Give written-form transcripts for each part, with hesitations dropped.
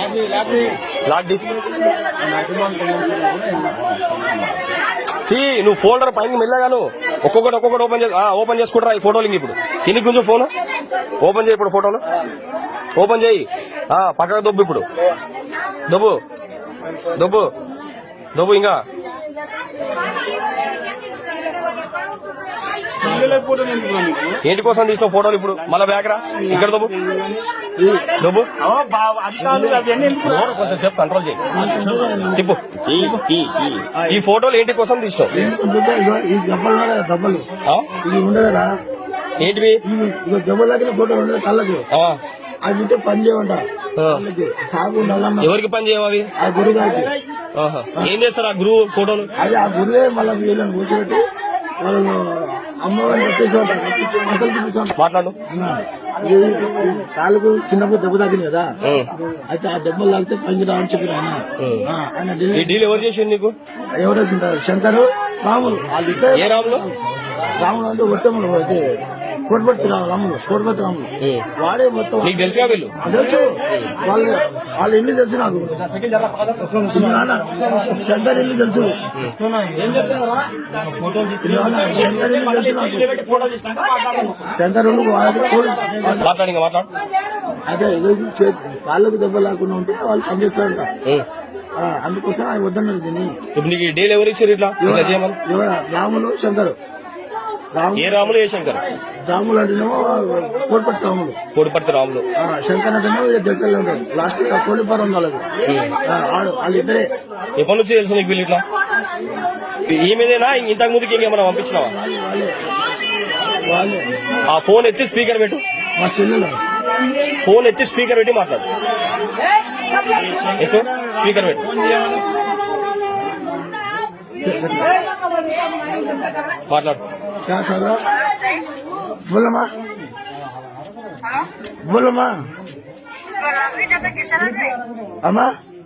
lock the తీ నువ్వు folder పైన మెల్లగాను ఒక్కొక్కటి ఓపెన్ చేసుకుంటారా ఈ ఫోటోలు ఇప్పుడు కిందికి కొంచెం ఫోన్ ఓపెన్ చేయి ఇప్పుడు ఫోటోలు ఓపెన్ చేయి పక్కకు దొబ్బు ఇప్పుడు దొబ్బు దొబ్బు దొబ్బు ఇంకా ఏంటి కోసం తీసిన ఫోటోలు ఇప్పుడు మళ్ళా బ్యాక్ రా ఇక్కడ దొబ్బు దొబ్బు కొంచెం సేపు కంట్రోల్ చేయి తిప్పు ఈ ఫోటోలు ఏంటి కోసం తీసినావు ఏంటివి దెబ్బలాగిన ఫోటోలు ఉండదు కళ్ళకు అది ఉంటే పని చేయమంట సాగు ఉండాలన్న ఎవరికి పని చేయవి ఆ గురువు గారికి ఏం చేస్తారు ఆ గురువు ఫోటోలు అది ఆ గురువే మళ్ళీ వీళ్ళని కూర్చోబెట్టి వాళ్ళు అమ్మవారిని పెట్టేసేవాళ్ళు మసలు చూపిస్తాం మాట్లాడు కాళ్ళకు చిన్నప్పుడు దెబ్బ తాకింది కదా అయితే ఆ దెబ్బలు తాగితే పని రావని చెప్పి ఆయన డీల్ ఎవరు చేసిండు నీకు ఎవరు శంకరు రాములు వాళ్ళు ఏ రాములు రాములు అంటే ఒట్టములు అయితే కోటపతి రాములు వాడే మొత్తం నీకు తెలుసుగా వీళ్ళు తెలుసు వాళ్ళ ఇల్లు తెలుసు నాకు శంకర్ ఇల్లు తెలుసు శంకర్ ఇల్లు తెలుసు నాకు శంకర్ మాట్లాడి మాట్లాడు అదే కాళ్ళకు దెబ్బ లేకుండా ఉంటే వాళ్ళు పనిచేస్తారంట అందుకోసం ఆయన వద్దన్నారు దీన్ని ఇప్పుడు నీకు డీల్ ఎవరు ఇచ్చారు ఇట్లా రాములు శంకర్ ఏ రాములు ఏ శంకర్ రాములు అంటేనేమో కోడిపర్తి రాములు శంకర్ అంటేనేమో దగ్గరలో ఉంటాడు లాస్ట్ కోడిపారం వాళ్ళది వాళ్ళిద్దరే ఎప్పటి నుంచి తెలుసు నీకు వీళ్ళు ఇట్లా ఈ మీదేనా ఇంతకు ముందుకి ఇంకేమైనా పంపించినావా వాళ్ళే ఆ ఫోన్ ఎత్తి స్పీకర్ పెట్టు మా చెల్లెలు ఫోన్ ఎత్తి స్పీకర్ పెట్టి మాట్లాడు ఎత్తు స్పీకర్ పెట్టు మాట్లాడు बोलमा बोलमा अम्मा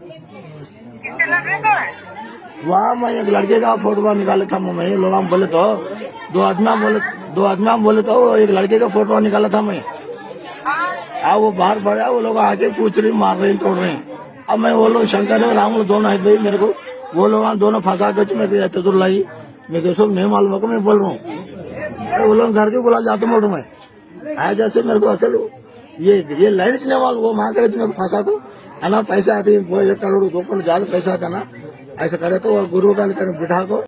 वहाँ मैं एक लड़के का फोटो निकाला था मैं लोग बोले तो दो आदमी बोले तो एक लड़के का फोटो निकाला था मैं वो बाहर पड़ा वो लोग आके पूछ रही मार रहे तोड़ रहे अब मैं वो लोग शंकर राम दोनों है मेरे को वो लोग दोनों फंसा कर मेरे तजुर लाई मेरे सब नहीं मालूम को मैं बोल रहा हूँ वो लोग घर के बुला जाते बोल रहा मैं आया जैसे मेरे को असल ये लाइन से वाल वो माँ करे मेरे को फंसा को है ना पैसा आते 1 करोड़ 2 करोड़ ज्यादा पैसा आता ना ऐसा करे तो गुरु का बिठा को